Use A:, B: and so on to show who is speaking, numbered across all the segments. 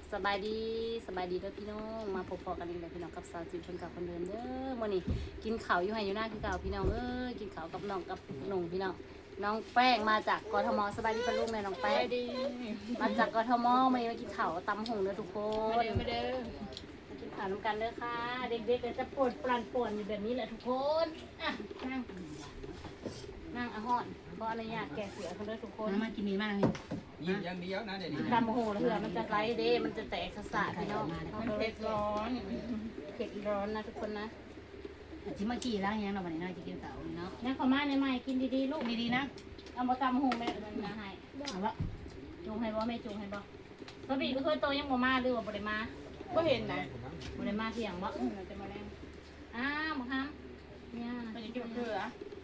A: สบายดีเด้อพี่น้องมาพบกันอีกแล้วพี่น้องกับสาวจิ๋วคนเก่าคนเดิมเด้อมื้อนี้กินข้าวอยู่ให้อยู่หน้าคือเก่าพี่น้องกินข้าวกับน้องกับหนุ่งพี่น้องน้องแป้งมาจากกทมสบายดีปะลูกแม่น้องแป้งมาจากกทมมากินข้าวตำหงเด้อทุกคนมากินข้าวน้ำกันเด้อค่ะเด็กๆก็จะปวดปรานอยู่แบบนี้แหละทุกคนอ่ะนั่งอาหอนเพราะอนุญาตแก่เสือเขาเด้อทุกคน
B: มากินมีมากนี่
C: ยิ้มอย่างเดียวนะเดี๋ยวนี้
A: ตำโหแล้วเผื่อมันจะไล่เด้มันจะแตกสะพี่น้อง
D: มันเผ็ดร้อน
A: เผ็ดร้อนนะทุกคนนะ
B: จิมากี่ล้างยังเราวันนี้น่าจะกินเต่าเนาะ
A: นี่ขอมาในใหม่กินดีๆลูก
B: ดีๆนะ
A: เอามาตำโหแม่มันนะให้
B: เอาละ
A: จุงให้บ่แม่จุงให้บ่สบีก็เคยโตยังบ่มาหรือว่าบ่ได้มา
D: ก็เห็นนะ
A: บ่ได้มาเที่ยงบ่
D: เราจะมาแรง
A: อ้าวบ่ฮัมเนี่ย
D: มันจะกินเกลือ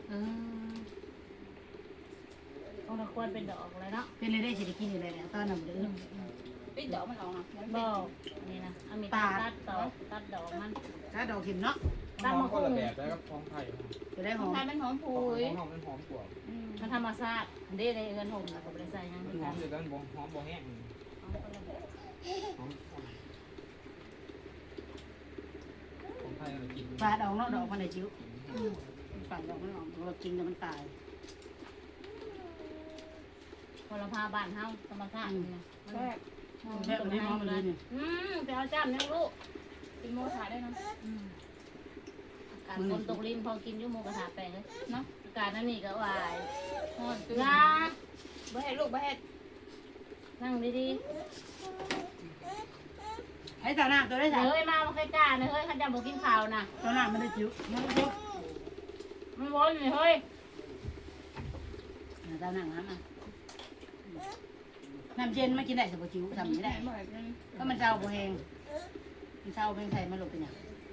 A: ต้องควรเป็นดอกเลยเนาะ
B: เป็นเลยได้สิได้กินอยู่เลยแหละตอนนั้นเด้อ
D: ปิดดอกมันออกนะ
A: บ่นี่นะเอามีตัดดอกมัน
B: ถ้าดอกเข็มเนาะ
A: ตำมะ
C: คน
A: ฮุ่
C: ละ
A: ง
C: แบบแล้วก็ท้องไทย
B: จะได้หอม
D: ทานเป็นหอม
C: ข
D: พุ
C: อง
D: ย
C: หอมมันหอมกว่า
A: มันธรรมชาติเด้ในเอื้อนห่มแล้วก็บ่ได้ใส่หยัง
C: มัน
A: คือ
C: หอ
A: กั
C: ม
A: น
C: อยู่กันหอมบ่แห้งหอมของไทยเรากิน
B: ปลาดอกเนาะดอกมันได้จิ้วปลาดอกมันออกเรากินแล้วมันตาย
A: คนละพาบ้านเฮาธรรมชาตินี่นะ
D: แซ่บ
B: แค่นี้หอมเลยนี่
A: ไปเอาจ้ำเนี่ยลูก
D: เป็นโมถ่ายได้นะ
A: การคนตกลิ้นพอกินยุ่หมูกระทะแปลงเลย
D: เนาะ
A: การนั่นนี่ก็วาย
D: หอมตื้
A: งา
D: บ่เห็ดลูกบ่เห็ด
A: นั่งดี
B: ไอ้ตาหน้าตัวได้
A: ๆ
B: จ้ะ
A: เฮ้ยมาใกล้จ้าเฮ้ยขันจะบอกกินข้าวนะ
B: ตาหน้ามันได้จิ้วมันได้จิ้ว
A: มันวนเลยเฮ้ย
B: ตาหน้าน้ำอ่ะน้ำเย็นมากินได้สิบ่จิ้วทำไม่ได้
D: บ่เห็ดนั่น
B: ก็มันเจ้าบ่แห้งมันเจ้าเป็นไทยมันหลบเป็นอย่าง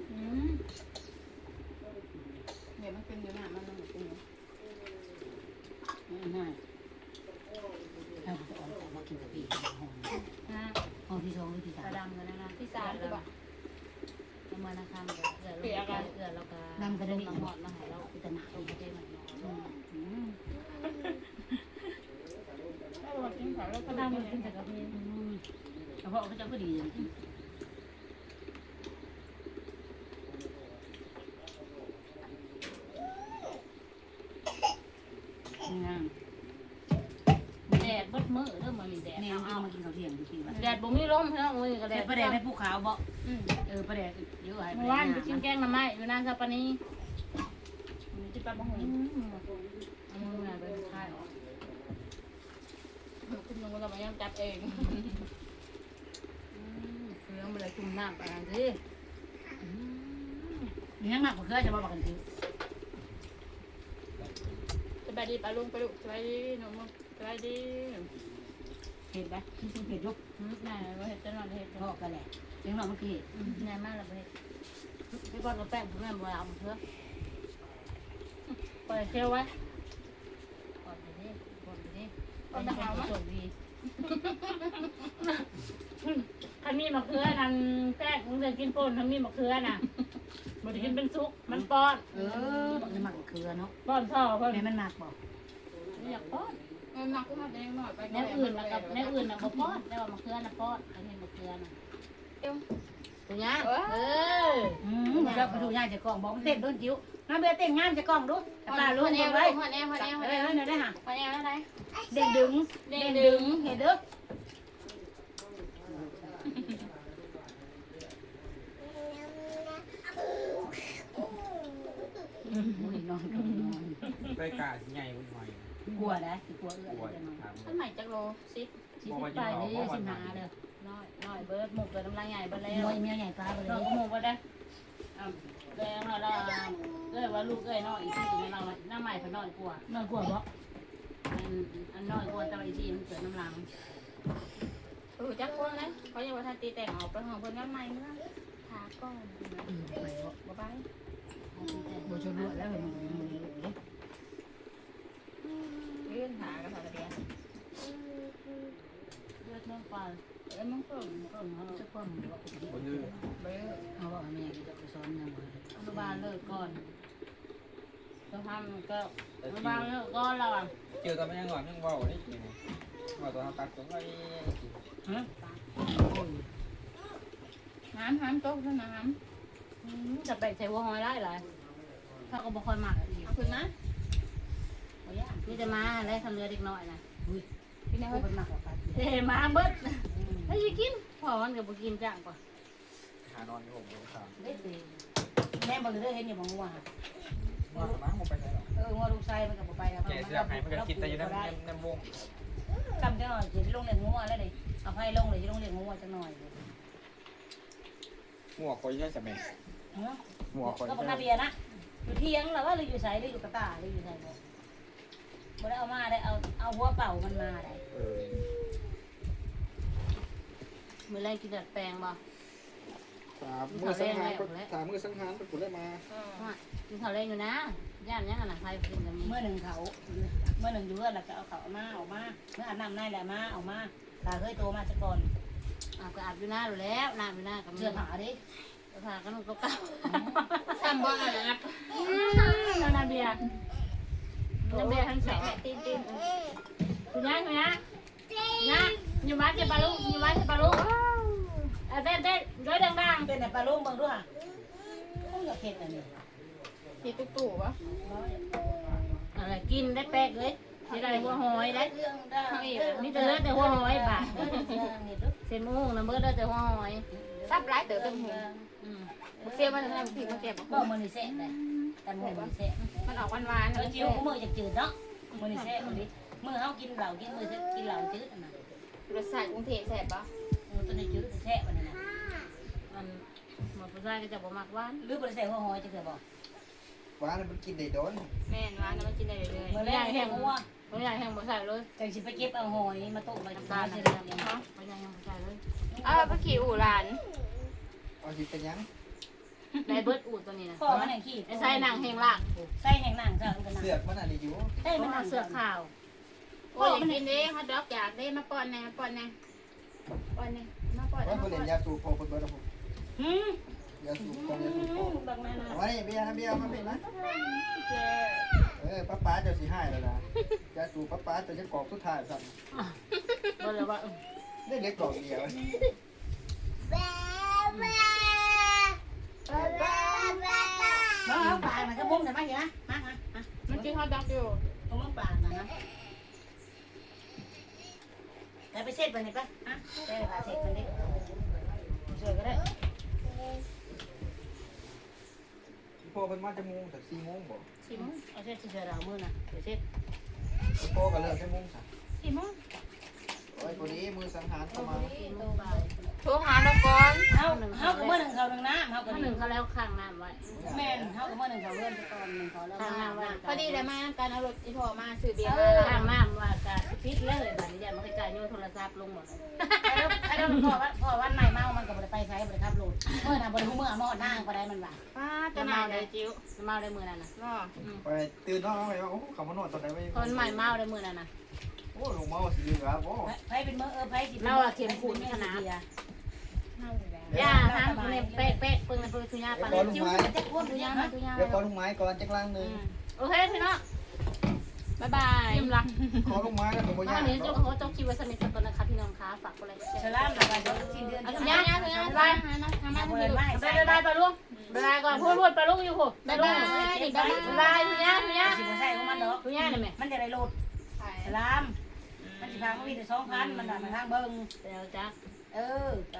D: เดี๋ยวมันเป็นอยู่หน้ามันมันเป็นอยู่
B: ง่ายถ้าผมจะออกจากมากินกับพี่หอม
A: นะ
B: หอมที่สองหรือที่
A: ก
B: สา
A: ระ
B: ม
A: ดำกันนะ
D: ที่สามคือบ่
A: ประมาณนะครับเอือแล้วก็น้ำหอดมาให้เรา
B: พิจารณา
A: ลงไปเจมัน
D: ถ้าเรากินข้าวแล้ว
A: ก
D: ก็
A: ระ
D: ดำ
A: ดำ
D: มั
A: มัน น
D: เป็
A: ขึ้
D: น
A: นจากกระเพาะ
B: เฉพาะเขาจะก็ดีอย่างนี้งาม
A: แดดบดมือเริ่มมามีแดด
B: แม่เอามากินข้าวเที่ยงจริงๆ
A: แดดบ่มีลมเนาะมือก็แด
B: แต่
A: ด
B: ประเดี๋ยวให้ภูเขาบ่ประเดี๋ยวเยอะให้
A: เมื่อวานไปกินแกงน้ำไม้อยู่นานสัปปานีจะไปบ่หงเอามือมาไปค่ายออก
D: คุณลุงเราไม่ยอมจับเอง
A: เฟืองมันเลยจุ่มน้ำไปอันสิ
B: มีทั้งหนักกว่าเคยจะมาบอกกันที
D: สบายดีปลาลุงปลาลุงสบายดีหนูมึงสบายดี
B: เห็นไหมเห็นยุก
A: นายว่าเห็ดจะนอนเห็ด
B: พ่อกันแหละเลี้ยงน้องเมื่อกี้
A: นายมากเลยเห็ดพี่บอลกับแป้งผมแม่บัวเอาเพื่อปล่อยเชี่ยวไว้ก่อนไปดิก่อนไปดิเป็นคนโชคดีถ้ามีมะเขือนั่นแป้งมึงจะกินป่นถ้ามีมะเขือน่ะมันจะกินเป็นซุกมันป้อน
B: บอกจะหมักเครือเนาะ
A: ป้อนพ่อเพิ่น
B: แม่มันหมักบอก
A: อยากป้อน
D: หนักก็มาแดงหน่อยไป
A: แนวอื่นนะกับแนวอื่นนะบ่ป้อนแต่ว่ามะเขือน่ะป้อนอันนี้มะเขือน่ะตัวนี้
B: มันจะไปดูง่ายจะกล่องบอกมันเต้นโดนจิ้วน้าเบียเต้นงานจะกล่องดูแต่ปลาลุง
D: เอ
B: เอา
D: ว
B: ไว้
D: หัวแอวหัวแอวหัว
B: เฮ้
D: แอย ว
B: เฮ้ยได้ห่ะ
D: หัวแอวแล้วไหน
B: เด้งดึงเด้งดึงเห็นเด้ออนอนกับนอน
C: ไปกาใหญ่วุ่นวาย
B: กลัวนะกลัวเอื้อ
C: ปวด
B: จะนอน
C: ถาม
D: อันใหม่จักโลซิป
A: สิไปเลยสิหาเด้อน้อยเบิดหมกเกิดน้ำลายใหญ่เบิดแล้ว
B: มวยเมียใหญ่ปลาไปเล
A: น้อง
B: ย
A: ก็หมกเบิดได้แดงเราว่าลูกน้อยอีกทีนึงเราหน้าใหม่เพิ่นน้อยกว่าน
B: อนกลัวบ่
A: อันน้อยกว่าแต่อีกทีมันเกิดน้ำลัง
D: จักคนเลยเขายังว่าทันตีแต่งออกไปห้องเพิ่นน้ำใหม่เมื่อถาก้อน
B: ไปบ่
D: บ่ไป
B: บ่ชนรวดแล้วมัน
D: เลื่อนหากันค่ะเดียว
A: เลือดเนื้อปลา
D: มึงเพิ่ม
B: เขาจะความบ่
C: บนยืด
D: เบ้อ
B: เขาบอกแม่จะไปซ้อนยังไง
A: อนุบาลเลิกก่อนเราทำก็อนุบาลเลิกก่อนเราอ่ะ
C: เจอตอนไม่ยังหวานยังเบาได้กินว่าตอนตัดตรงไอ้
B: ฮะ
D: น้ำโต๊ะน้
A: จะไปใช้หัวหอยได้หลายถ้าก็บ่ค่อยมักอีก
D: ำเอาขึ้นนะ
A: นี่จะมาได้ทำเรือเด็กน้อยนะ
D: พี่นาย
B: ผู้เป็นมากกว่ากัน
A: เฮ้มาเบิดให้ยกินพอมันก็บ่กินจ้างกว่า
C: หานอนอยู่ผมเลยครับ
B: เด็ดดีแม่บอกเลยเห็นอยู่บางงัว
C: ว่ามั้งผมไปไหนหรอ
B: งัวลูกไส้มันกับไปครับ
C: แกเสื้อไผ่มันก็คิดแต่อยู่ในวง
B: กำจังหน่อยจะลงเลี้ยงงัวแล้วเลยเอาไผ่ลงเลยจะลงเลี้ยงงัวจังหน่อย
C: หัวคอยใช่ไหมหัวคอย
B: ก็เป็นนาเบียนะอยู่เที่ยงแล้วว่าเราอยู่ใส่หรืออยู่กระตาหรืออยู่ใส่บ่บ่ได้เอามาได้เอาหัวเป่ามันมาได้
A: มื้อแรกกินดัดแปลงบ่
C: มือสังหารถามมือสังหารเป็นผลได้มา
A: กินข้าวแรงอยู่นะย่านยังอ่ะนะใครกินกับมี
B: เมื่อหนึ่งเขาเมื่อหนึ่งอยู่เพื่อนแล้วก็เอาเขามาออกมาเมื่ออาบน้ำในแหละมาออกมาตาเคยโตมาจะก่อน
A: ก็อาบอยู่หน้าอยู่แล้วน้ำอยู่หน้ากับ
B: เสื้อผ้าดิ
A: เสื้อผ้าก็นุ่งเก่า
D: ทำบ่อาบ
A: ๆน้ำเบียร์น้ำเบียร์ทั้งสอง
D: ตีน
A: คุณย่าคุณย่าย่าอยู่บ้านเจ็บปลาลูกอยู่บ้านเจ็บปลาลูกเต้นด้วยดัง
B: เป็นแต่ปลาลูกเบิ่งด้วยเขาอยากเห็ดอันนี้
D: ตีตู่วะ
A: ๆอะไรกินได้แป๊กเลยที่ได้หัวหอยได้
B: เรื่องได้
A: นี่จะเลือดแต่หัวหอยบาทเส้นมุ้งน้ำเบิร์ดได้แต่หัวหอย
D: ซับร้ายเต๋อตึงหูเสียมันทำผิดมาเก็บ
B: ก็มือนี่เสะเลยแต่มือนี่เสะ
D: มันออกหวาน
B: เออจิ้วมือจะจืดเนาะมือนี่เสะมือนี้มือเขากินเหล้ากินมือกินเหล้าจืดอันนั้น
D: รสชาติกรุงเทพแซ่บปะ
B: มือตัวนี้จืดเสะมันนั่น
A: มันหมดผู้ชายก็จะบ่มักหวาน
B: หรือบริษัทหัวหอยจะเกิดบอก
C: ว้ามันกินได้โดน
D: แม่นหวานแล้วมันกินได้เรื่อย
B: เมื่อแรกแห้งหัว
A: ผู้ใหญ่แห้งบ่ใส่เลย
B: จังสิไปเก็บเอาหอยมาต้มไป
A: น้ำ
B: ตา
A: ตาล
B: เส
A: ใส่
B: ร็จ
A: เลย
B: แล้ว
A: เนาะผู้ใหญ่แห้งบ่ใส่เลย
D: ๆเอาไปขี่อู่หลาน
C: เอาจิตเป็นยัง
A: ได้เบิร์ดอูดตัวนี้นะ
B: พ่อมันแห่งขี้
A: ไอ้ใส่หนังแห้งลาก
B: ใส่แห่งหนังจ้ะมันก็หนัง
C: เสือกมันอะไรอยู่
B: เอ้ย
A: มั
B: มัน นหนั
A: เอา
B: ง
A: เสือขาว
D: โอ้ยกินเด้ฮอทดอกอยากได้มาป้อนแน่มาป้อนมาป้อน
C: ว่าคนเล่นยาสูบพอคนเบิร์ดผม
B: หืม
C: ยาสูบพอยาสูบพอ
B: บักแม่นะ
C: ไว้เบียร์นะเบียร์มาเป็นนะป้าเจ้าสีให้แล้วนะยาสูบป้าเจ้าจะกรอกทุกทายสั่ง
A: ก็เลยว่า
C: ได้เล็กกรอกเดียว
B: น้องเอาปากมันก็บุ้มแต่ไม่เห็นนะมามามา
D: มันกินฮอทดอกอยู่
B: ตรงน้องปากนะนะแต่ไปเช็ดไปไหนปะฮะได้ไปเช็ดมันดิช่วยก็ได้
C: พ่อเป็นมาจะมุงสัก4 โมงบอก
B: ชิมเอาเช็ดเฉยๆเรามือนะเดี๋ยวเช็ด
C: พ่อก็เลิกจะมุงสัก
D: 4 โมง
C: โอ้ยคนนี้มือสังหารเข้ามา
D: โทรหาเราก่อน
B: เฮากับเมื่อหนึ่งเขาหนึ่งน้ำเฮากับ
A: ถ้าห
B: ห
A: นึ่
B: นึ่
A: ง
B: ง
A: เขาแล้วข้างน้ำไว้
B: แม่นเฮากับเมื่อหนึ่งเขาเลื่อนไปก่อนหนึ่งเขาแล้ว
A: ข้างน้ำไว้
D: พอดีเลยมาการเอารถอีพอมาซื้อเบียร์
A: ข้างน้ำว่าการพิษเลยแบบนี้มันก็จ่ายโยนโทรศัพท์ลงหมด
B: ใครต้องพ่อวันใหม่เมามันกับบริไปใช้บริขับรถเมื่อน่ะบริหูเมื่อมอดนั่งก็ได้มันว่า
D: ป้าจะมาเลยจิ้ว
A: เมาได้มือนั่นนะ
D: เนาะ
C: ไปตื่นนอนไปว่าโอ้เขามานอนตอนไหนไม่
A: คนใหม่เมาได้มือนั่นนะ
C: โอ้ลงมาสีเหลืองโอ้
B: ไผเป็นเมื่อไผสิ
A: ย่าฮะเนี่ยเป๊ะเป๊ะปึ้งปึ้งทุยาปะ
C: ก้อนลูก
B: จิ้ว
C: ไม้
B: จะพวก
A: ทุ
B: ดู
A: ยา
B: ยัง
A: มา
B: นะ
A: ทุยา
C: เดี๋ยวก้อนลูกไม้ก่อนจักรล่างหนึ่ง
A: โอเคพี่เนาะ
D: บ๊ายบาย
A: ยิ้มละ
C: ก้อนลูกไม้แล้วผมก็
A: ต
C: ย่า
A: อนนี้เจ้าเขาเจ้าคิวไว้สนิทสักคนนะคะพี่น้องคะฝากอะไร
B: ฉลามนะว่าจะสิ้นเดือน
A: ทุ
B: ยาย
A: า
B: ไป
A: ทุยา
D: บ๊ายบายทำมา
B: เปิดไม้
A: ไป
B: ใส่
A: ไปไปลุงไปก่อนพูดไปลุงอยู่พูดไปลุงไปทุยาทุยา
B: สิบ่ใช่ของมันดอก
A: ทุยาเนี่ยแม่
B: มันจะได้โหลดฉลามมันสิพาเขามีแต่2,000มันน่ะมาทางเบิ่ง
A: เดี๋ยวจ้า
B: เออ